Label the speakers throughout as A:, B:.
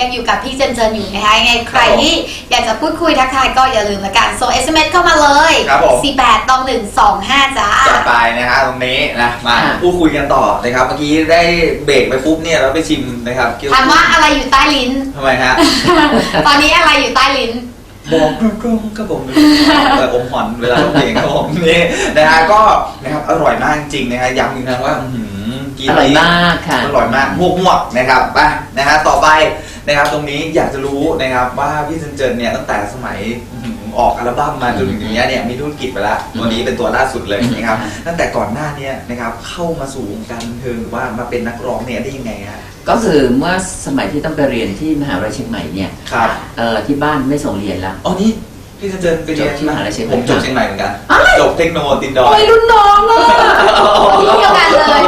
A: ยังอยู่กับพี่เจนอยู่นะคะยังไงใครที่อยากจะพูดคุยทักทายก็อย่าลืมละกันส่ง SMS เข้ามาเลย48-125จ้า
B: จัดไปนะฮะตรงนี้นะมาพูดคุยกันต่อนะครับเมื่อกี้ได้เบรกไปปุ๊บเนี่ยเราไปชิมนะครับ
A: ถามว่าอะไรอยู่ใต้ลิ้น
B: ทำไมฮะ
A: ตอนนี้อะไรอยู่ใต้ลิ้น
B: บอกตรงๆครับผมอมหอนเวลาร้องเพลงครับผมนี่นะฮะก็นะครับอร่อยมากจริงนะฮะย้ำอีกครั้งว่ากิน
C: อร่อยมากค่ะ
B: อร่อยมากหวกนะครับไปนะฮะต่อไปนะครับตรงนี้อยากจะรู้นะครับว่าพี่เจนเนี่ยตั้งแต่สมัยออกอัลบั้มมาจนถึงอย่างเงี้ยเนี่ยมีธุรกิจไปแล้วตัวนี้เป็นตัวล่าสุดเลยนะครับตั้งแต่ก่อนหน้านี้นะครับเข้ามาสู่วงการบันเทิงหรือว่ามาเป็นนักร้องเนี่ยได้ยังไงฮะ
C: ก็คือเมื่อสมัยที่ต้องไปเรียนที่มหาวิทยาลัยเชียงใหม่เนี่ยที่บ้านไม่ส่งเรียนแล้ว
B: อ๋อนี่พี่เจนไปเรียน
C: ที่มหาวิทยาลัยเชียงใหม่
B: ผมจบเชียงใหม่เหมือนกันจบเทคโนโลยีตินดอ
C: โอ้ยรุ่นน้องอ่ะ
A: ที่เดียวกันเลย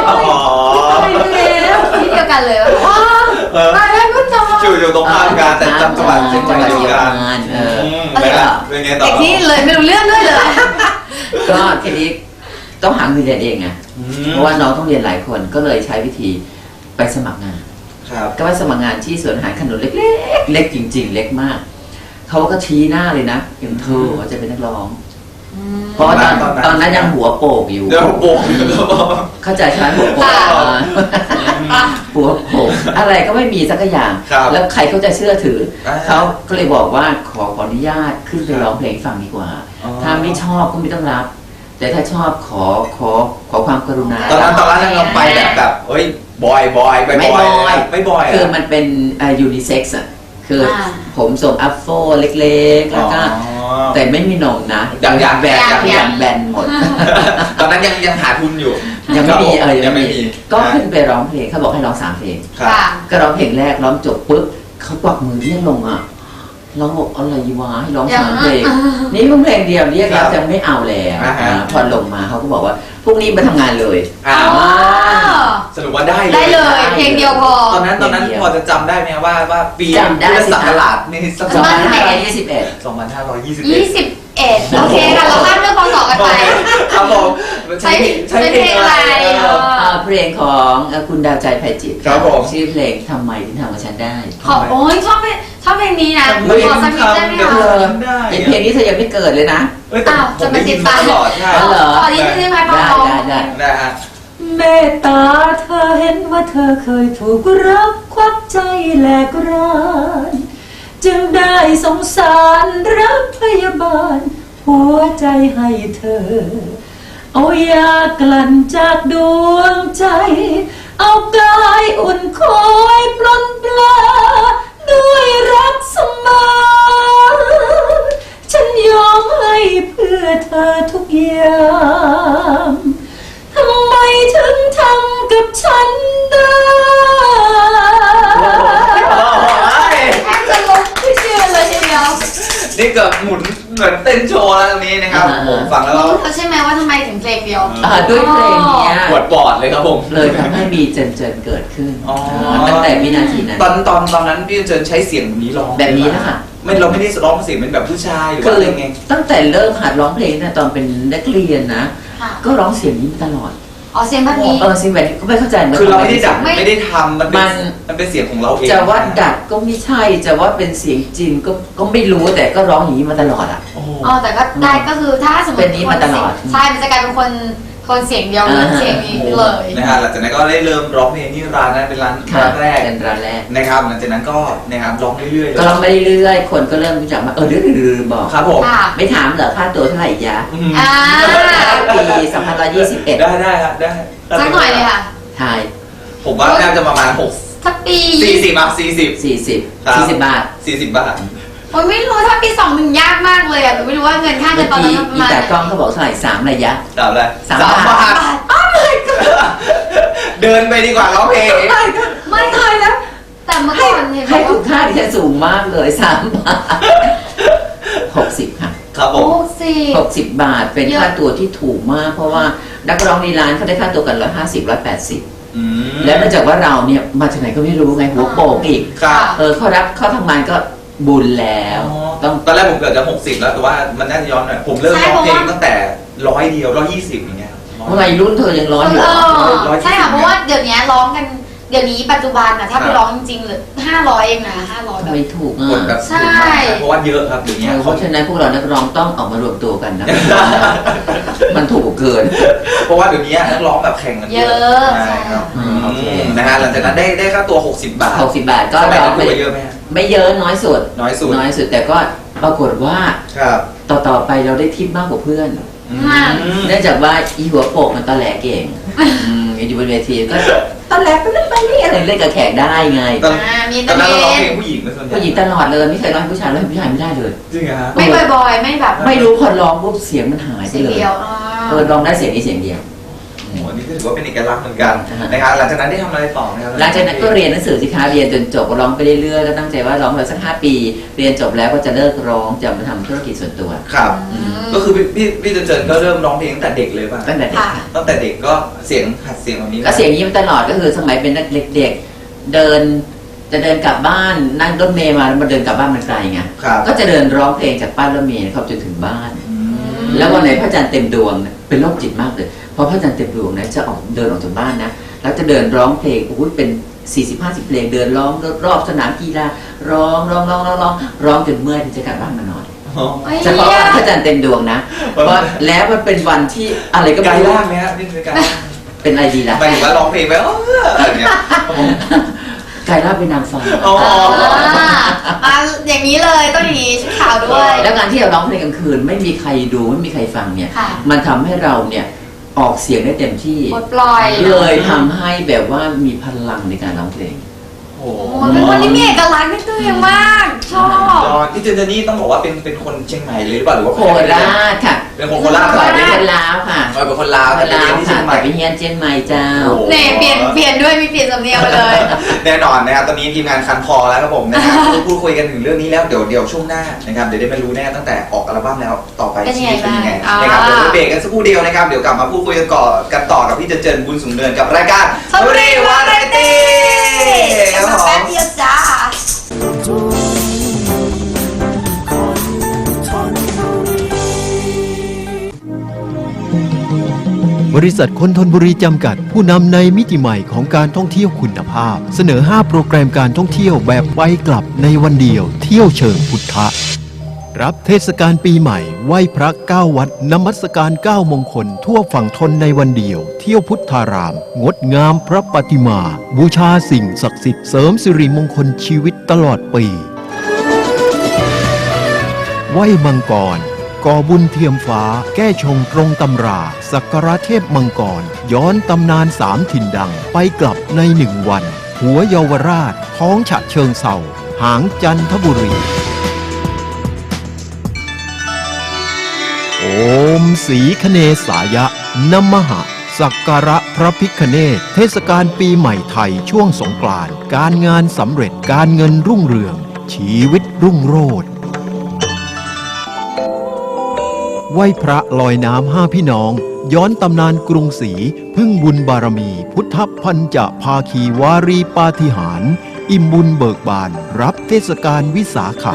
A: ที่เดียวกันเลยว้าวมาแล้วรุ่นน้อง
B: อยู่ตรงข้ามกันแต่จำจังหวัดเชียงใหม่เดียวกันเป็นไงต่อ
A: ที่เลยไม่รู้เรื่องด้วยเลย
C: ก็ทีนี้ต้องหาเงินเรียนเองไงเพราะว่าน้องต้องเรียนหลายคนก็เลยใช้วิธีไปสมัครงานก็ไปสมัครงานที่สวนอาหารขนุนเล็กๆเล็กจริงๆเล็กมากเขาก็ชี้หน้าเลยนะอย่างเธอจะเป็นนักร้องเพราะตอนนั้นยังหัวโปกอยู่เข้าใจใช่ไหมหัวโปกหัวโปกอะไรก็ไม่มีสักอย่างแล้วใครเขาจะเชื่อถือเขาก็เลยบอกว่าขออนุญาตขึ้นไปร้องเพลงฟังดีกว่าถ้าไม่ชอบก็ไม่ต้องรับแต่ถ้าชอบขอความกรุณา
B: ตอนนั้นเราไปแบบเฮ้ยบอยไม่บอย
C: คือมันเป็นยูนิเซ็กซ์อ่ะคือผมทรงอัฟโฟเล็กๆแล้วก็แต่ไม่มีนมนะ
B: อย่างแบ
C: นหมด
B: ตอนนั้นยังหาทุนอยู่
C: ยังไม่มียังไม่มีก็ขึ้นไปร้องเพลงเขาบอกให้ร้อง3 เพลงก็ร้องเพลงแรกร้องจบปุ๊บเขากวักมือเรียกลงอ่ะร้องบอกอะไรวะให้ร้อง3 เพลงนี่เพิ่งเพลงเดียวเรียกแล้วจะไม่เอาแล้วพอลงมาเขาก็บอกว่าพรุ่งนี้มาทำงานเลย
B: สรุปว่าได้
A: เลยเพลงเดียวพอ
B: ตอนนั้นพอจะจำได้ไหมว่าปีพุทธศักราชนี่สัก2521
A: โอเคค่ะเราข้ามเรื่องพศกันไป
B: ครับผม
A: ใช้เพลงอะไร
C: เพลงของคุณดาวใจไพจิตร
B: ครับผม
C: ชื่อเพลงทำไมถึงทำกับฉันได้
A: โอ้ยชอบเพลงนี้นะขอสักนิดได้ไหมคะ
C: เพลงนี้เธอยังไม่เกิดเลยนะ
A: อ้าวจะมาติดตาม
B: ตลอดใช่
A: เหรอตอนนี้ที่ไม่พอ
C: ได้ฮะเมตตาเธอเห็นว่าเธอเคยถูกรักควักใจแหลกรานจึงได้สงสารรักพยาบาลหัวใจให้เธอเอายากลั่นจากดวงใจเอากายอุ่นคอยปลนปลาด้วยรักเสมอฉันยอมให้เพื่อเธอทุกอย่างทำไมถึงทำกับฉันได้
A: แทบจะลุกที่เชื่อเลยทีเดียว
B: นี่เกิดหมุนเหมือนเต้นโชว์แล้วตรงนี้นะครับผมฟังแล้ว
A: ใช่ไหมว่าทำไมถึงเพลงเดียว
C: ด้วยเพลงนี้
B: ปวดปอดเลยครับผม
C: เลยทำให้มีเจนเกิดขึ้นตั้งแต่วินาทีนั้น
B: ตอนนั้นพี่เจนใช้เสียงแบบนี้ร้อง
C: แบบนี้นะคะ
B: เราไม่ได้ร้องเสียงเป็นแบบผู้ชายหรือว่าอะไรไง
C: ตั้งแต่เริ่มหัดร้องเพลงนะตอนเป็นนักเรียนนะก็ร้องเสียงนี้ตลอด
A: เสียงแบบนี้
C: เสียงแบบนี้ก็ไม่เข้าใจ
B: คือเราไม่ได้ดัดไม่ได้ทำมันเป็นเสียงของเราเอง
C: จะว่าดัดก็ไม่ใช่จะว่าเป็นเสียงจริงก็ไม่รู้แต่ก็ร้องอย่างนี้มาตลอดอ่ะ
A: แต่ก็ได้ก็คือถ้าสมมติ
C: เป็นนี้มาตลอด
A: ใช่มันจะกลายเป็นคนเสียงเดียวเสียงนี้เลย
B: นะฮะหลังจากนั้นก็ได้เริ่มร้องเพลงที่ร้านนั้นเป็นร้านแรกนะครับหลังจากนั้นก็นะครับร้องเรื่อยๆ
C: ก็ร้องไปเรื่อยๆคนก็เริ่มรู้จักมาดื้อบอก
B: ครับผม
C: ไม่ถามเหรอค่าตัวเท่าไหร่ยะปี2521
B: ได้ครับได้
A: สักหน่อยเลยค่ะ
C: ถ่าย
B: ผมว่าน่าจะประมาณ6
A: สักปี
B: 40อ่ะ40
C: บาท
A: โอ้ยไม่รู้ถ้าปี21ยากมากเลยอ่ะหนูไม่รู้ว่าเงินค่าเงินตอนนั้นประมาณ
C: แต่กล้องเขาบอกเท่าไหร่3ระยะ
B: 3 บาทเดินไปดีกว่าร้องเพลง
A: ไม่เคยแล้วแต่เมื่อก่อน
C: ให้คุณค่าที่จะสูงมากเลย3 บาท60ค่ะ
B: ครับผม
C: 60 บาทเป็นค่าตัวที่ถูกมากเพราะว่านักร้องในร้านเขาได้ค่าตัวกัน150-180แล้วเนื่องจากว่าเราเนี่ยมาจากไหนก็ไม่รู้ไงหัวโปกอีกเขาทำงานก็บุญแล้ว
B: ตอนแรกผมเกิดจะ60แล้วแต่ว่ามันน่าจะย้อนหน่อยผมเริ่มร้องเพลงตั้งแต่100เดียว120อย่างเงี้ย
C: เมื่อไหร่รุ่นเธอยังร้อนอยู่
A: ใช่ค่ะเพราะว่าเดี๋ยวนี้ร้องกันเดี๋ยวนี้ปัจจุบันนะถ้าไปร้องจริงๆเลย500เองนะ500แบบ
C: ไม่ถูก
B: คนแบบ
A: ใช่
B: เพราะว่าเยอะครับอย่างเงี้ย
C: เพราะฉะนั้นพวกเรานักร้องต้องออกมารวมตัวกันนะ มันถูกเกิน
B: เพราะว่าเดี๋ยวนี้นักร้องแบบแข่งกัน
A: เยอะ
B: ใช่ครับ
C: โอเค
B: นะฮะหลังจากนั้นได้ค่าตัว60 บาท
C: 60 บาทก็
B: สมัย
C: ร้อ
B: นั้
C: ง
B: น
C: ไป
B: ตัวเยอะไหมฮะ
C: ไม่เยอะน้อยสุด
B: น้อยสุด
C: น้อยสุดแต่ก็ปรากฏว่า
B: ครับ
C: ต่อไปเราได้ทิปมากกว่าเพื่อน
B: อืม
C: เนื่องจากว่าอีหัวโปกมันตอแหลเก่งอยู่บนเวทีก็ตอแหลไปเล่นไปนี่อะไรเล่นกับแขกได้ไง
B: ตอน
A: มี
B: ตอนนั้นเราร้อง
A: เต้
B: เพล
A: น
B: งผู้หญิงไหมส่วนใหญ่
C: ผู้หญิงตลอดเลยไม่เคยร้องให้ผู้ชายร้องให้ผู้ชายไม่ได้เลย
B: จริงเหรอฮะ
A: ไม่บ่อยๆ ไม่แบบ
C: ไม่รู้พอร้องปุ๊บเสียงมันหายไป
A: เสียง
C: เลย
A: เดียว
C: ร้องได้เสียงนี้เสียงเดียว
B: โอ้โหนี่ก็ถือว่าเป็นเอกลักษณ์เหมือนกันนะครับหลังจากนั้นได้ทำอะไรต่อไหมครับ
C: หลังจากนั้นก็เรียนหนังสือสิคะเรียนจนจบก็ร้องไปเรื่อยๆก็ตั้งใจว่าร้องไปสัก5 ปี เรียนจบแล้วก็จะเลิกร้องจะมาทำธุรกิจส่วนตัว
B: ครับ ก็คือพี่เจนก็เริ่มร้องเพลงตั้งแต่เด็กเลยป่ะ
C: ตั้งแต่เด็ก
A: ค่ะ
B: ตั้งแต่เด็กก็เสียงหัดเสียงแบบนี้
C: ก็เสียงนี้มาตลอดก็คือสมัยเป็นนักเด็กๆเดินจะเดินกลับบ้านนั่งรถเมล์มาแล้วมาเดินกลับบ้านมันไกลไง
B: ครับ
C: ก็จะเดินร้องเพลงจากป้ายรถเมล์เข้าจนถึงบ้าน
B: อืม
C: แล้ววันไหนพระจันทร์เต็มดวงเนี่ยเป็นโรคจิตมากเลยเพราะพระจันทร์เต็มดวงนะจะออกเดินออกจากบ้านนะแล้วจะเดินร้องเพลงโอ้โหเป็น40-50 เพลงเดินร้องรอบสนามกีฬาร้องจนเมื่อยถึงจะกลับบ้านมานอน
B: อ๋อ
C: เฉพาะวันพระจันทร์เต็มดวงนะเพราะแล้วมันเป็นวันที่อะไรก็
B: ไกล
C: ไม่รู้
B: ล่างไหมฮะนี่คือการ
C: เป็นอะไรดีล่ะ
B: หมายถึงว่าร้องเพลงไปอะไรเงี้ย
C: กลายร่างเป็นนางฟ้า
B: อ๋อ
A: มาอย่างนี้เลยต้องอย่างนี้ชุดขาวด้วย
C: แล้วการที่เราร้องเพลงกลางคืนไม่มีใครดูไม่มีใครฟังเนี่ย
A: ค่ะ
C: มันทำให้เราเนี่ยออกเสียงได้เต็มที่
A: ปลดปล่อย
C: เลยทำให้แบบว่ามีพลังในการร้องเพลง
B: โอ้โห
A: โอ้เป็นคนที่มีเอกลักษณ์ในตัวเองมาก ชอบ
B: พี่เจนนี่ต้องบอกว่าเป็นคนเชียงใหม่เลยหรือเปล่าหรือว่า
C: โคราชค่ะ
B: เป็นคนโคราช
C: ก่อน
B: เหร
C: เป็
B: อน
C: คนลาวค่ะ
B: เป็นคนลาว
C: ค
B: แต่
C: น
B: ไป
C: ลา
B: เรียน
C: ว
B: ที่เชี
C: ค่ะ
B: ยงใหม่
C: แต่ไปเฮียนเจียนใหม่เจ้า
B: โอ้โห
A: เนี่ยเปลี่ยนด้วยมีเปลี่ยนสำเนียงไปเลย
B: แน่นอนนะครับตอนนี้ทีมงานคันคอแล้วครับผมนะครับพูดคุยกันถึงเรื่องนี้แล้วเดี๋ยวช่วงหน้านะครับเดี๋ยวได้มารู้แน่ตั้งแต่ออกอัลบั้มแล้วต่อไป
A: เป็น
B: ชี
A: ยังไง
B: วิตเป็นยังไง
A: บ้าง
B: นะครับ
A: อ่า
B: เดี๋ยวเบรกกันสักครู่เดียวนะครับเดี๋ยวกลับมาพูดคุยกันต่อกับพี่เจนบุญสูงเนินกับรายการ
A: ชลบุรีวาไรตี้
B: ค
A: กลั
B: รั
A: บบ มา
B: ผ
A: แป๊บ
B: ม
A: เดียวจ้า
D: บริษัทคนทนบุรีจำกัดผู้นำในมิติใหม่ของการท่องเที่ยวคุณภาพ เสนอ 5 โปรแกรมการท่องเที่ยวแบบไปกลับในวันเดียว เที่ยวเชิงพุทธะ รับเทศกาลปีใหม่ไหว้พระ9 วัดนมัสการ9 มงคลทั่วฝั่งทนในวันเดียว เที่ยวพุทธาราม งดงามพระปฏิมา บูชาสิ่งศักดิ์สิทธิ์เสริมสิริมงคลชีวิตตลอดปีไหว้มังกรก่อบุญเทียมฟ้าแก้ชงตรงตำรา สักการะเทพมังกร ย้อนตำนาน3 ถิ่นดังไปกลับใน1 วัน หัวเยาวราช ท้องฉะเชิงเศร้าหางจันทบุรี โอมสีคเนสายะนมหะ สักการะพระพิฆเนศเทศกาลปีใหม่ไทยช่วงสงกรานต์การงานสำเร็จการเงินรุ่งเรือง ชีวิตรุ่งโรจน์ไหว้พระลอยน้ำ5 พี่น้อง ย้อนตำนานกรุงศรีพึ่งบุญบารมี พุทธพันจะภาคีวารีปาฏิหาริย์อิ่มบุญเบิกบาน รับเทศกาลวิสาขะ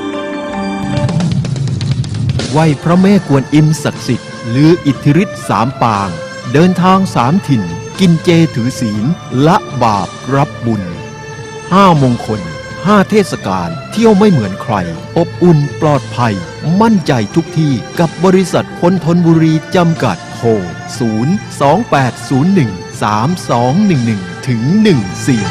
D: ไหว้พระแม่กวนอิมศักดิ์สิทธิ์ลืออิทธิฤทธิ์3 ปาง เดินทาง3 ถิ่น กินเจถือศีลละบาปรับบุญ5 มงคล5 เทศกาลเที่ยวไม่เหมือนใคร อบอุ่นปลอดภัย มั่นใจทุกที่กับบริษัทคนทนบุรีจำกัดโทร028013211ถึง14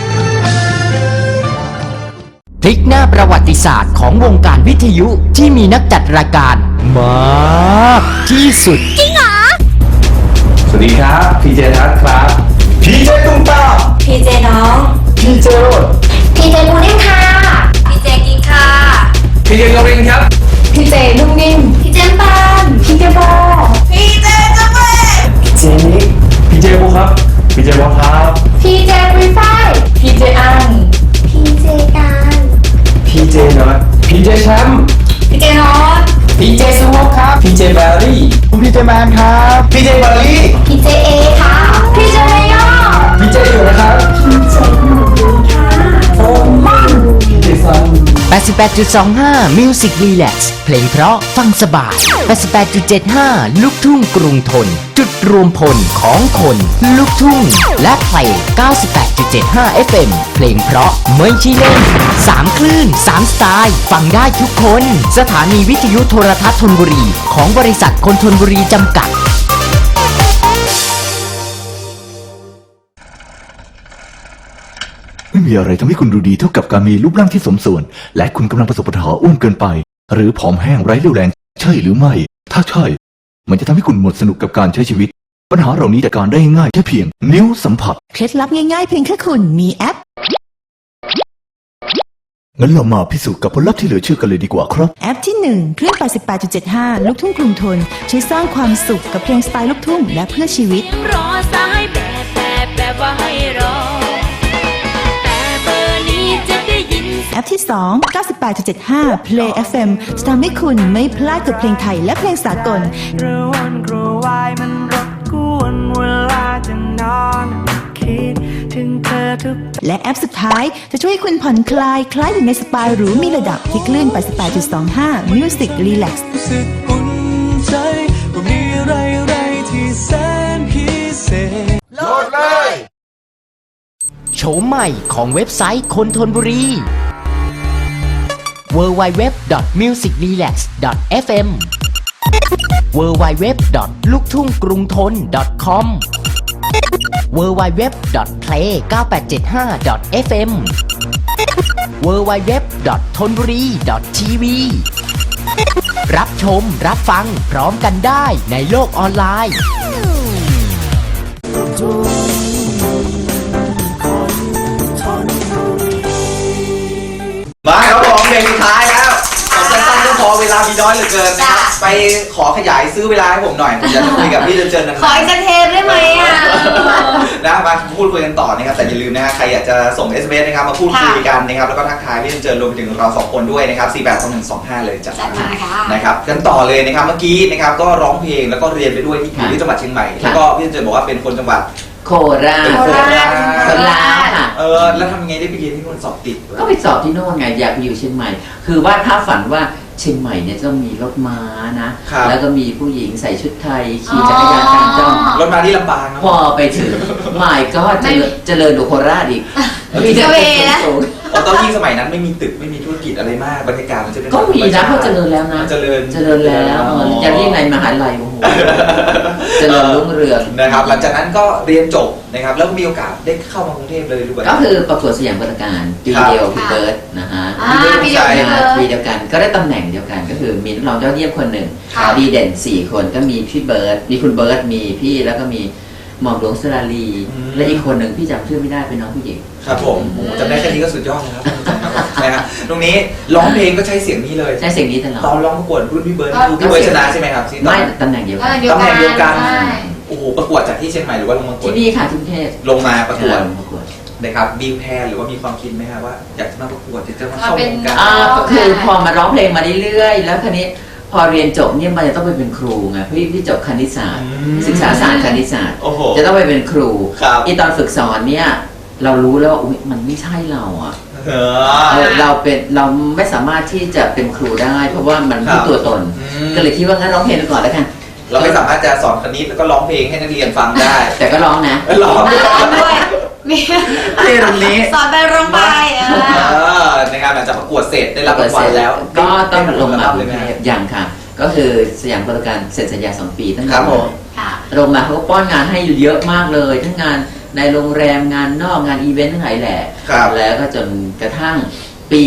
E: พลิกหน้าประวัติศาสตร์ของวงการวิทยุที่มีนักจัดรายการมากที่สุด
F: สวัสดีครับพีเจทัศน์ครับพีเจตุ้มตาม
G: พีเจน้อง
F: พีเจโรด
G: พีเจปูนิ่มค่ะ
A: พีเจกินค่ะ
F: พีเจกรินครับ
G: พีเจนุ่มนิ่ม พีเจปานพีเจโบ
A: พีเจจะเป็น
F: พีเจนิกพีเจบุครับพีเจบอลครับ
G: พีเจปุยฝ้ายพีเจอังพีเจการ
F: พีเจน็อตพีเจแชมป์
A: พีเจนอต
F: พีเจซูโม่ครับพีเจแบรี่คุณพีเจแมนครับพีเจบารี่
G: พีเจเอค่ะ พีเจเมยอ
F: พีเจอยู่นะครับ
G: พีเจหนูดีค่ะโอมัน
F: พีเจซัน
E: 88.25 Music Relax เพลงเพราะฟังสบาย 88.75 ลูกทุ่งกรุงทน จุดรวมพลของคนลูกทุ่ง และเพลง 98.75 FM เพลงเพราะไม่ใช่เล่น 3 คลื่น 3 สไตล์ ฟังได้ทุกคน สถานีวิทยุโทรทัศน์ธนบุรี ของบริษัทคนธนบุรีจำกัด
H: ไม่มีอะไรทำให้คุณดูดีเท่ากับการมีรูปร่างที่สมส่วน และคุณกำลังประสบปัญหาอ้วนเกินไป หรือผอมแห้งไร้เรี่ยวแรงใช่หรือไม่ ถ้าใช่ มันจะทำให้คุณหมดสนุกกับการใช้ชีวิต ปัญหาเหล่านี้จัดการได้ง่ายแค่เพียงนิ้วสัมผัส
I: เคล็ดลับง่ายๆเพียงแค่คุณมีแอป
H: งั้นเรามาพิสูจน์กับผลลัพธ์ที่เหลือเชื่อกันเลยดีกว่าครับ
I: แอปที่ 1 คลื่น 88.75 ลูกทุ่งกรุงทนช่วยสร้างความสุขกับเพลงสไตล์ลูกทุ่งและเพื่อชีวิต
J: รอสายแบบว่าให้รอ แต่เบอร์นี้จะได้ยิน
I: แอปที่ 2 98.75 Play FM จะทำให้คุณไม่พลาดกับเพลงไทยและเพลงสากล
K: กระวนกระวายมันรบกวนเวลาจะนอนคิดถึงเธอทุก
I: และแอปสุดท้ายจะช่วยให้คุณผ่อนคลายคล้ายอยู่ในสปาหรูมีระดับที่คลื่น 88.25 Music Relax
K: รู้สึกอุ่นใจว่ามีอะไรที่แสนพิเศษ
E: โหลดเลยโฉมใหม่ของเว็บไซต์คนธนบุรี www.musicrelax.fm www.luktunggrungthon.com www.play9875.fm www.thonburi.tv รับชมรับฟังพร้อมกันได้ในโลกออนไลน์
B: มาครับผมเพลงสุดท้ายแล้วผมสั้นๆก็พอเวลามีน้อยเหลือเกินนะครับไปขอขยายซื้อเวลาให้ผมหน่อยผมจะคุยกับพี่เจนนะ
A: ขออีกสักเทปได้ไหมอ่ะ
B: นะมาพูดคุยกันต่อนะครับแต่อย่าลืมนะฮะใครอยากจะส่ง SMS นะครับมาพูดคุยกันนะครับแล้วก็ทักทายพี่เจนรวมไปถึงเราสองคนด้วยนะครับ482125เลยจัดมานะครับกันต่อเลยนะครับเมื่อกี้นะครับก็ร้องเพลงแล้วก็เรียนไปด้วยที่อยู่ที่จังหวัดเชียงใหม่แล้วก็พี่เจนบอกว่าเป็นคนจังหวัด
C: โคราช
B: เป็นโคราช
C: โคราชค่ะ
B: แล้วทำยังไงได้ไปเรียนที่นู่นสอบติด
C: ก็ไปสอบที่โน่นไงอยากไปอยู่เชียงใหม่ คือว่าถ้าฝันว่าเชียงใหม่เนี่ยต้องมีรถม้านะ แล้วก็มีผู้หญิงใส่ชุดไทยขี่จักรยานกลางจ้อง
B: รถม้าที่ลำปางนะ
C: พอไปถึงใหม่ก็เจริญดูโคราชอีกมีแต่ตึกสูง
B: ตอนยิ่งสมัยนั้นไม่มีตึกไม่มีธุรกิจอะไรมากบรรยากาศมันจะเป็น
C: ก็มีนะเพราะเจริญแล้วนะ
B: เจริญ
C: แล้วจะเรียกไงมหาลัยโอ้โหเจริญรุ่งเรือง
B: นะครับหลังจากนั้นก็เรียนจบนะครับแล้วก็มีโอกาสได้เข้ามากรุงเทพเลยด้วย
C: ก็คือประกวดสยามปราการปีเดียวพี่เบิร์ดนะฮะ
A: ปีเดียว
C: ปีเดียวกันก็ได้ตำแหน่งเดียวกันก็คือมีนักร้องยอดเยี่ยมคนหนึ่งดีเด่น4 คนก็มีพี่เบิร์ดมีคุณเบิร์ดมีพี่แล้วก็มีหม่อมหลวงสราลี และอีกคนหนึ่งพี่จำชื่อไม่ได้เป็นน้องผู้หญิง
B: ครับผมจำได้แค่นี้ก็สุดยอดแล้วนะฮะตรงนี้ร้องเพลงก็ใช้เสียงนี้เลย
C: ใช้เสียงนี้ตลอด
B: ตอนร้องประกวดรุ่นพี่เบิร์ดคือพี่เบิร์ดชนะใช่ไหมครับ
C: ไม่ตำแหน่งเดียวกัน
B: ตำแหน่งเดียวกันโอ้โหประกวดจากที่เชียงใหม่หรือว่าลงมาประกวด
C: ที่นี่ค่ะที่กรุงเทพ
B: ลงมาประกวด
C: ประกวด
B: นะครับมีแพลนหรือว่ามีความคิดไหมครับว่าอยากจะมาประกวดอยากจะมาเข้าวงการ
C: ก็คือพอมาร้องเพลงมาเรื่อยๆแล้วคราวนี้พอเรียนจบเนี่ยมันจะต้องไปเป็นครูไงพี่จบคณิตศาสตร์ศึกษาศาสตร์คณิตศาสตร์จะต้องไปเป็นครูอีตอนฝึกสอนเนี่ยเรารู้แล้วว่ามันไม่ใช่เราอ่ะเราไม่สามารถที่จะเป็นครูได้ เพราะว่ามันไม่ตัวตนก็เลยคิดว่างั้นร้องเพลงไปก่อนแล้วกัน
B: เราไม่สามารถจะสอนคณิตแล้วก็ร้องเพลงให้นักเรียนฟังได้
C: แต่ก็ร้องนะ
B: ร้อง
A: ด้วย
B: ที่ตรงนี้
A: สอนไปร้องไป
B: นะครับหลังจากประกวดเสร็จได้รับรางวัลแล้ว
C: ก็ต้องลงมาเลยอย่างค่ะก็คือสยามบริการเซ็นสัญญา2 ปีตั้งแต่ลงมาเขาก็ป้อนงานให้เยอะมากเลยทั้งงานในโรงแรมงานนอกงานอีเวนต์ทั้งหลายแหละแล้วก็จนกระทั่งปี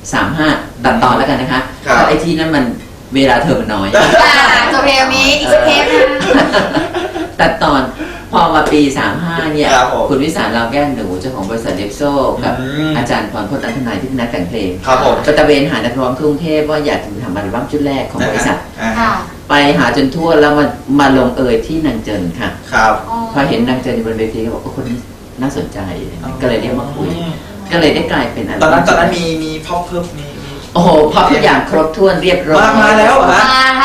C: 35ตัดตอนแล้วกันนะคะไอที่นั้นมันเวลาเธอมันน้อย
A: จบเพลงนี้อีกสักเทปนะ
C: ตัดตอนพอมาปี35เนี่ยคุณวิสารเราแก้วหนูเจ้าของบริษัทเดฟโซกับอาจารย์พรพจน์อัธนายที่เป็นนักแต่งเพลงไปตะเวนหานักร้องกรุงเทพว่าอยากจะทำอัลบั้มชุดแรกของบริษัทไปหาจนทั่วแล้วมาลงเอยที่นางเจินค่ะพอเห็นนางเจินอยู่บนเวทีก็บอกว่าคนนี้น่าสนใจก็เลยเรียกมาคุยก็เลยได้กลายเป็นอัลบั้ม
B: ตอนนั้นมีพ็อปเพิ่มมี
C: โอ้โหพอทุกอย่างครบถ้วนเรียบร้อย
B: มาแล้ว
C: มาตั้งน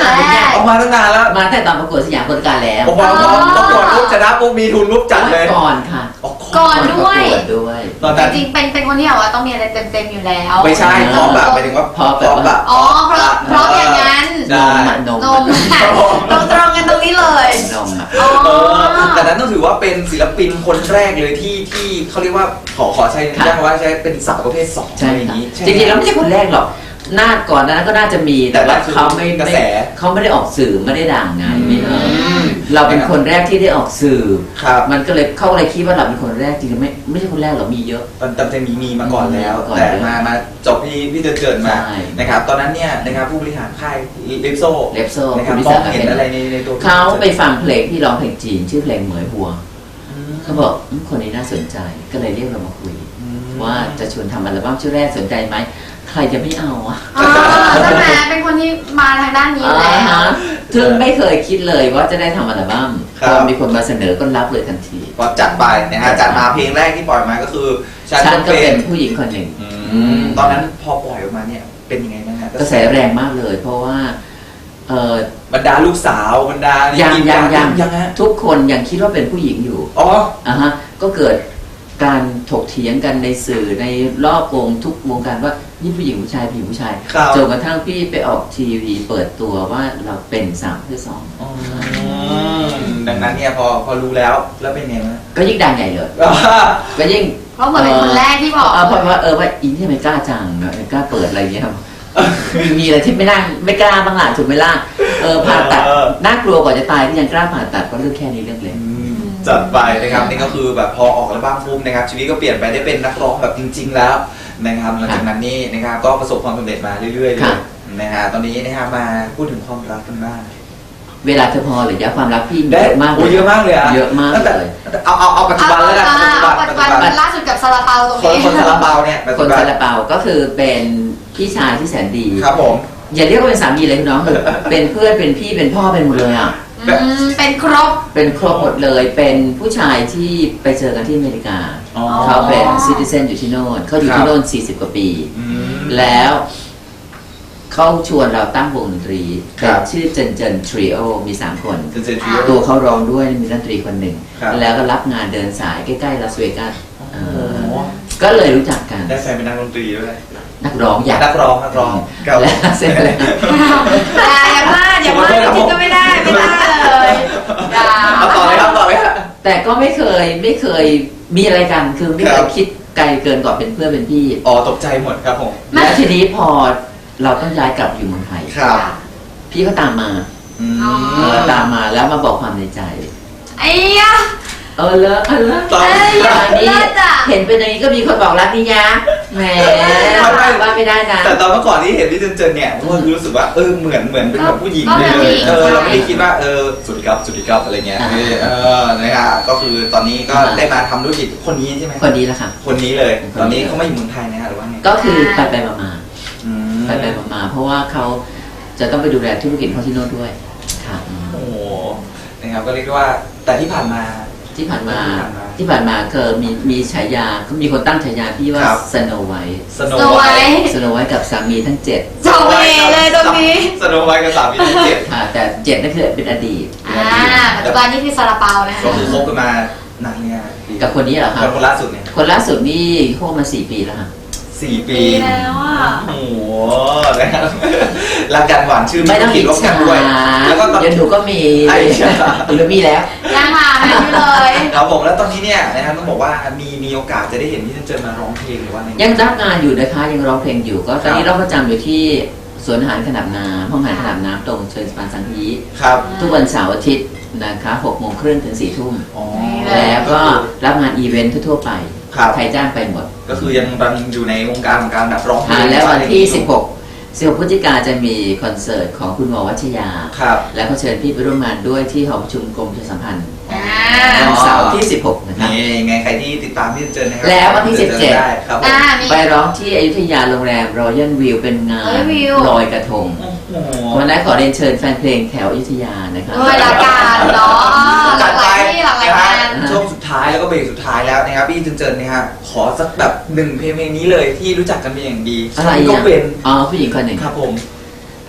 C: นานแล้วเนี่ย
B: ออกมาตั้งนานแล้ว
C: มาแต่ตอนประกวดสยามคนการแล้ว
B: ออกมาพร้อมประกวดปุ๊บชนะปุ๊บมีทุนปุ๊บจัดเลย
C: ก่อนค่ะ
A: ก่อนด้วย
C: ประกวดด้วย
B: ตอน
A: จ
B: นั้น
A: ริงๆเป็นคนที่แบบว่าต้องมีอะไรเต็มๆอยู่แล้ว
B: ไม่ใช่พร้อมแบบหมายถึงว่า
C: พร้อมแบบ
B: แบบ
A: อ๋อเพราะอย่างนั้น
C: นมอะนม
A: นมตรงกันตรงนี้เลย
C: นมอะ
A: อ๋อ
B: แต่นั้นต้องถือว่าเป็นศิลปินคนแรกเลยที่เขาเรียกว่าขอใช้เรียกว่าใช้เป็นสาวประเภท2
C: ใช่
B: อย่าง
C: ค่ะ
B: นี้
C: จริงๆแล้วไม่ใช่คนแรกหรอกหน้าก่อนหนานั้นก็น่าจะมีแต่ว่าเขาไม่
B: กระแส
C: เขาไม่ได้ออกสื่อไม่ได้ดังไงไม่เออเราเป็นคนแรกที่ได้ออกสื่อ
B: ครับ
C: มันก็เลยเขาเลยคิดว่าเราเป็นคนแรกจริงๆไม่ใช่คนแรกหรอกมีเยอะ
B: ตอนจะมีมาก่อนแล้ว
C: มีมาก่อน
B: แต่มาจบพี่เจิดมา
C: ใช่
B: นะครับตอนนั้นเนี่ยนะครับผู้บริหารค่ายลิปโซ
C: เลปโซ่
B: นะครับ
C: คุณวิ
B: มอ
C: สาง
B: เห็นอะไรในตัว
C: เขาไปฟังเพลงที่ร้องเพลงจีนชื่อเพลงเหมยหัวเขาบอกคนนี้น่าสนใจก็เลยเรียกเรามาคุย ว่าจะชวนทำอัลบั้มชุดแรกสนใจไหมใครจะไม่เอาอ่ะ
A: อ๋อใช่ไหมเป็นคนที่มาทางด้านนี้อยู่แล้ว
C: ซึ่งไม่เคยคิดเลยว่าจะได้ทำอัลบั้มพอมีคนมาเสนอก็รับเลยทันที
B: พอจัดไปนะฮะจัดมาเพลงแรกที่ปล่อยมาก็คือฉัน
C: ฉันก็
B: เป็
C: เป็น นผู้หญิงคนหนึ่ง
B: ตอนนั้นพอปล่อยออกมาเนี่ยเป็นยังไงบ้างฮะ
C: กระแสแรงมากเลย เพราะว่าเออบ
B: รรดาลูกสาวบรรดา
C: ยัง
B: ยังฮะ
C: ทุกคนยังคิดว่าเป็นผู้หญิงอยู่
B: อ๋อ
C: ฮะก็เกิดการถกเถียงกันในสื่อในรอบวงทุกวงการว่านี่ผู้หญิงผู้ชายผู้หญิงผู้ชาย
B: ครับ
C: จนกระทั่งพี่ไปออกทีวีเปิดตัวว่าเราเป็น3/2
B: ดังนั้นเนี่ยพอรู้แล้วเป็นไงบ้าง
C: ก็ยิ่งดังใหญ่เลยก็ยิ่ง
A: เพราะเหมือนเป็นคนแรกที่บอก
C: เพราะว่าว่าอินที่ทำไมกล้าจังเนอะกล้าเปิดอะไรอย่างเงี้ยครับ มีอะไรที่ไม่กล้าบ้างล่ะถูกไหมล่ะผ่าตัดน่ากลัวกว่าจะตายที่ยังกล้าผ่าตัดก็เรื่องแค่นี้เรื่องเล็ก
B: จัดไปนะครับนี่ก็คือแบบพอออกอัลบั้มปุ๊บนะครับชีวิตก็เปลี่ยนไปได้เป็นนักร้องแบบจริง ๆ แล้วนะครับหลังจากนั้นนี่นะครับก็ประสบความสำเร็จมาเรื่อยๆเลยนะฮะตอนนี้นะครับมาพูดถึงความรักกันบ้าง
C: เวลาเธอพอหรือยะความรักพี่
B: ได้
C: เยอะมาก
B: โอ้เยอะมากเลยอะ
C: เยอะมาก
B: ตั้งแต่
C: เลย
B: เอาปัจจุบันแล้วกัน
A: ปัจจุบันล่าสุดกับซาลาเปาตรง
B: คน
A: นี้
B: ซาลาเปาเนี่ยปัจ
C: ค
B: จุ
C: น
B: บั
C: ซาน ลาเปาก็คือเป็นพี่ชายที่แสนดี
B: ครับผม
C: อย่าเรียกว่าเป็นสามีเลยคุณน้อง เป็นเพื่อนเป็นพี่เป็นพ่อเป็นหมดเลยอ่ะ
A: เป็นครบ
C: เป็นครบหมดเลย เป็นผู้ชายที่ไปเจอกันที่อเมริกา
B: อ๋อ
C: เขาเป็นซิติเซนอยู่ที่โน่นเขาอยู่
B: ครั
C: ที่
B: บ
C: โน่น40 กว่าปี
B: อืม
C: แล้วเขาชวนเราตั้งวงดนตรี
B: ครับ
C: ชื่อเจนทริโอมี 3 คน
B: เจนทริโอ
C: ตัวเขาร้องด้วยมีดนตรีคนหนึ่ง
B: ครับ
C: แล้วก็รับงานเดินสายใกล้ๆลาสเวกัส
B: โอ้โห
C: ก็เลยรู้จักกัน
B: ได้แฟนเป็นนักดนตรีด้วย
C: นักร้องอยาก
B: นักร้องครับ
C: แล้วเสร็จแล้ว
A: อย่าพลาดจริงๆก็ไม่ได้เลยอย่า
B: เอาต่อเลยครับ
C: แต่ก็ไม่เคยมีอะไรกันคือไม่เค
B: ครั
C: ย
B: บ
C: คิดไกลเกินกว่าเป็นเพื่อนเป็นพี่
B: อ๋อตกใจหมดครับผม
C: แล้วทีนี้พอเราต้องย้ายกลับอยู่เมืองไทย
B: ครับ
C: พี่ก็ตามมา
B: อืม
C: ตามมาแล้วมาบอกความในใจ
A: ไอ้ยะ
C: เลอะ
B: ตอน
C: นี้
A: เลิศอะ
C: เห็นเป็นอย่างนี้ก็มีคนบอกรักนี่ยะแหมว่าไม่ได้นะ
B: แต่ตอนเมื่อก่อนที่เห็นพี่เจนเนี่ยก็รู้สึกว่าเหมือนเป็นแบบผู้หญิง
A: ก็
B: เล
A: เป็นผู้ห
B: ย
A: ญิง
B: เราไม่ได้
A: ใช่
B: คิดว่าสวัสดีครับอะไรเงี้ยนะครับก็คือตอนนี้ก็ได้มาทำธุรกิจคนนี้ใช่ไหม
C: คนนี้แหละค่ะ
B: คนนี้เลยตอนนี้เขาไม่อยู่เมืองไทยนะฮะหรือว่าไง
C: ก็คือไปมา
B: อืม
C: ไปมาเพราะว่าเขาจะต้องไปดูแลธุรกิจเขาที่โน่นด้วยค่ะ
B: โอ้โหนะครับก็เรียกว่าแต่ที่ผ่านมา
C: ที่ผ่านมาคือมีฉายาเขามีคนตั้งฉายาพี่ว่า
B: ครับ
C: สโนไวท์
B: สโน
A: สโน
B: ไว
A: ไวท์
B: ท์
C: สโนไวท์กับสามีทั้ง7
A: จบเลยตรงนี้
B: สโนไวท์กับสามีทั้งเจ็ด
C: แต่7นั่นคือเป็นอดีต
A: ปัจจุบันนี่คือซาลาเปานะคะ
B: ก็คือคบกันมานานเนี่ย
C: กับคนนี้เหรอครับ
B: คนล่าสุดเนี่ย
C: คนล่าสุดนี่โคบมา4 ปีแล้วค่ะ
B: 4 ปี
A: ปีแล้วอ่ะ
B: โอ้โหนะครับรักกันหวานชื่น
C: ไม่ต้อง
B: กิ
C: อิ
B: น
C: จ
B: ร่วมกั
C: ฉาน
B: ด้วยแล้วก็ตอน
C: เดี๋ยวหนูก็มี
B: ไอ้ฉา
C: หรือมีแล้ว
A: ยังหาไม่เลย
B: ครับผมแล้วตอนนี้เนี่ยนะครับต้องบอกว่ามีโอกาสจะได้เห็นพี่เจนมาร้องเพลงหรือว่าไง
C: ยังรับงานอยู่นะคะยังร้องเพลงอยู่ก็ตอนนี้เราประจำอยู่ที่สวนอาหารขนาดน้ำห้องอาหารขนาดน้ำตรงเชิญสปานสังฮี
B: ครับ
C: ทุกวันเสาร์อาทิตย์นะคะ6:30ถึง4 ทุ่ม
B: อ๋อ
C: แล้วก็รับงานอีเวนต์ทั่วๆไป
B: ครับ
C: ใครจ้างไปหมด
B: ก็คือยังอยู่ในวงการของการแบบร้องเพลง
C: แล้ววันที่ 16 พฤศจิกาจะมีคอนเสิร์ตของคุณหมอวัชยา
B: ครับ
C: และเขาเชิญพี่ไปร่วมงานด้วยที่หอประชุมกรมประชาสัมพันธ์
A: อ่า
C: วันเสาร์ที่ 16 นะครับ
B: นี่ไงใครที่ติดตามพี่เจนนะครั
C: แล้ววันที่
B: เจอได้ครับผม
A: มี
C: ไปร้องที่อยุธยาโรงแรมรอยัลวิวเป็นงาน
A: Royal View
C: ลอยกระทง
B: โอ้โห
C: วันนั้นขอเรียนเชิญแฟนเพลงแถวอยุธยานะครับ
A: ด้วยละกันเนาะหลากหลายที่หลากหลายงาน
B: ช่วงสุดท้ายแล้วก็เบรกสุดท้ายแล้วนะครับพี่เจนนะครับขอสักแบบ1 เพลงนี้เลยที่รู้จักกันเป็นอย่างดี
C: อะไร
B: ก็
C: อ่ะ
B: เป็น
C: ผู้หญิงคนหนึ่ง
B: ครับผม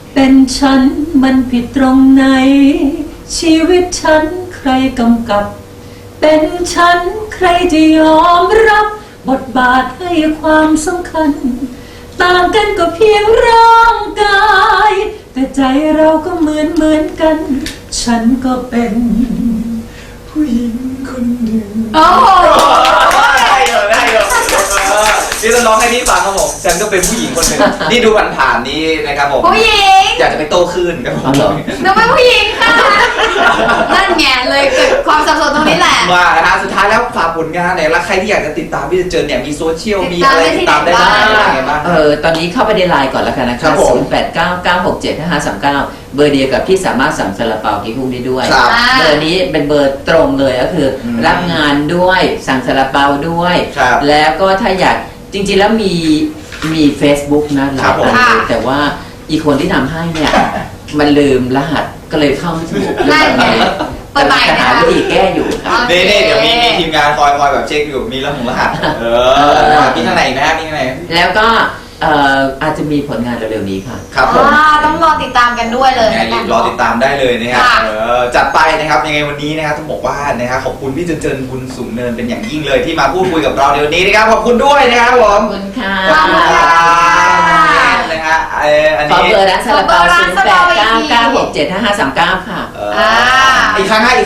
L: เป็นฉันมันผิดตรงไหนชีวิตฉันใครกำกับเป็นฉันใครจะยอมรับบทบาทให้ความสำคัญต่างกันก็เพียงร่างกายแต่ใจเราก็เหมือนกัน ฉันก็เป็นผู้หญิงคนหนึ่ง
A: โอ้โห
B: ได้เลยนี่ต้องร้องให้พี่ฟังครับผมฉันก็เป็นผู้หญิงคนหนึ่งนี่ดูผ่านๆนี้นะครับผม
A: ผู้หญิง
B: อยากจะไปโต้คลื่นครับผม
A: หนูเป็นผู้หญิงค่ะนั่นไงเลยเกิดความสับสนตรงนี้แหละ
B: มานะฮะสุดท้ายแล้วฝากผลงานหน่อยแล้วใครที่อยากจะติดตามพี่เจนเนี่ยมีโซเชียลมีอะไรติดตามได้บ้างอะไรบ้าง
C: ตอนนี้เข้าไปในไลน์ก่อนแล้วกันนะครับ 0899675539 เบอร์เดียวกับที่สามารถสั่งซาลาเปากิ๊กฮุกได้ด้วย เบอร์นี้เป็นเบอร์ตรงเลยก็คือรับงานด้วยสั่งซาลาเปาด้วย แล้วก็ถ้าอยากจริงๆแล้วมี Facebook นะหลายอันเลยแต่ว่าอีกคนที่ทำให้เนี่ยมันลืมรหัสก็เลยเข้าไม่ถูก
A: นั่นไงเปิดใหม่
C: จะ
A: นะ
C: หา
A: คะ
C: วิธีแก้อยู่ครับ
B: นี่เดี๋ยวมีทีมงานคอยแบบเช็คอยู่มีรหัสมีทางไหนนะฮะมีทางไหน
C: แล้วก็อาจจะมีผลงานเร็วๆนี้ค่ะ
B: ครับผม
A: ต้องรอติดตามกันด้วยเลย
B: รอติดตามได้เลยนะครับจัดไปนะครับยังไงวันนี้นะครับต้องบอกว่านะครับขอบคุณพี่เจนบุญสูงเนินเป็นอย่างยิ่งเลยที่มาพูดคุยกับเราในวันนี้นะครับขอบคุณด้วยนะครับผม
C: ขอบคุณค่ะ
B: ขอบคุณค่ะนะฮะอัน
C: ขอ
B: นี้
C: เบอร์ร้านซาลาเปา0899675539 ค่ะ
B: อีกครั้งฮะ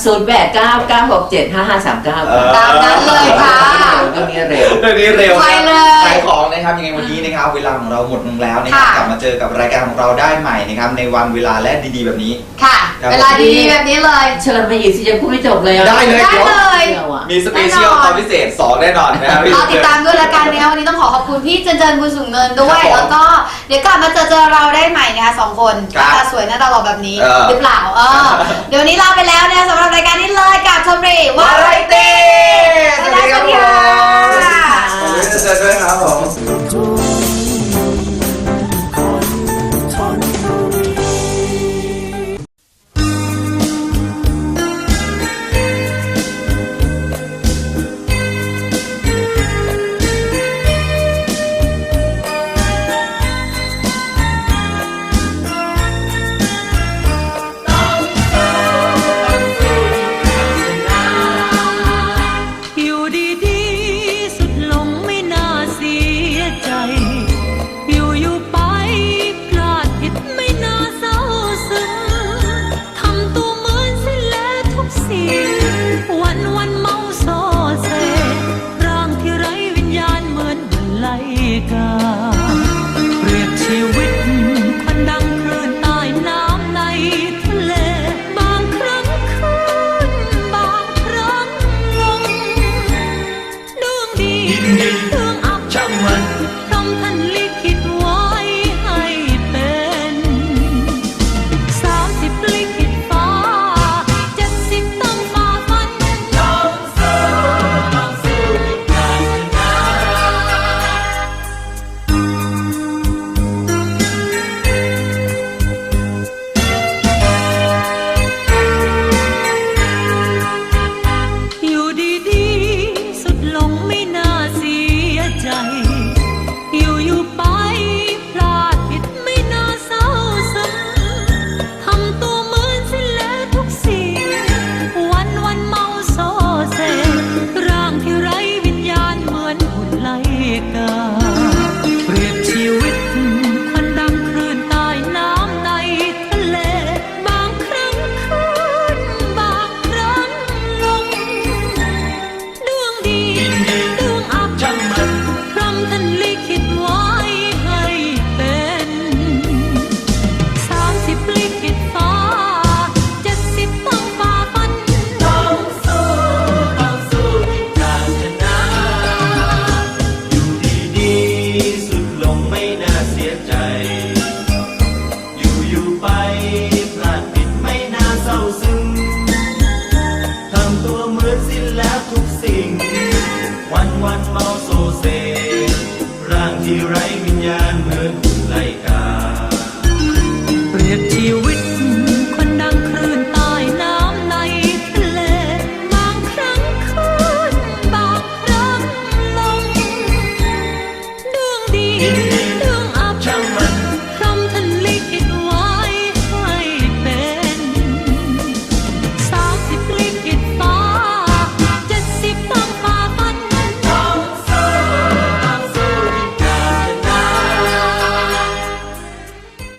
C: 0899675539
A: ตามนั้นเลยค่ะ
C: เรื่องนี้เร็ว
B: เรื่องนี้เร็ว
A: ไปเลย
B: ขายของนะครับยังไงวันนี้นะครับเวลาของเราหมดลงแล้วนะครับกลับมาเจอกับรายการของเราได้ใหม่นะครับในวันเวลาและดีๆแบบนี้
A: ค่ะเวลาดีๆแบบนี้เลย
C: เชิญมาอีกสิยังพูดไม่จบเลย
B: ได้เลย
A: ได้เลย
B: มีสเปเชียลตอนพิเศษ 2 แน่นอนนะครับ
A: รอติดตามด้วยละกันนะคะวันนี้ต้องขอขอบคุณพี่เจนบุญสูงเนินด้วยแล้วก็เดี๋ยวกลับมาเจอเราได้ใหม่นะคะ2 คนหน้าตาสวยหน้าตาหล่อแบบนี้หรือเปล่าเดี๋ยวนี้ลาไปแล้วนะคะสำหรับรายการนี้เลยกับชมรีวาไรตี้สวัสดีค่ะ
B: ขอบคุณเจนด้วยครับผม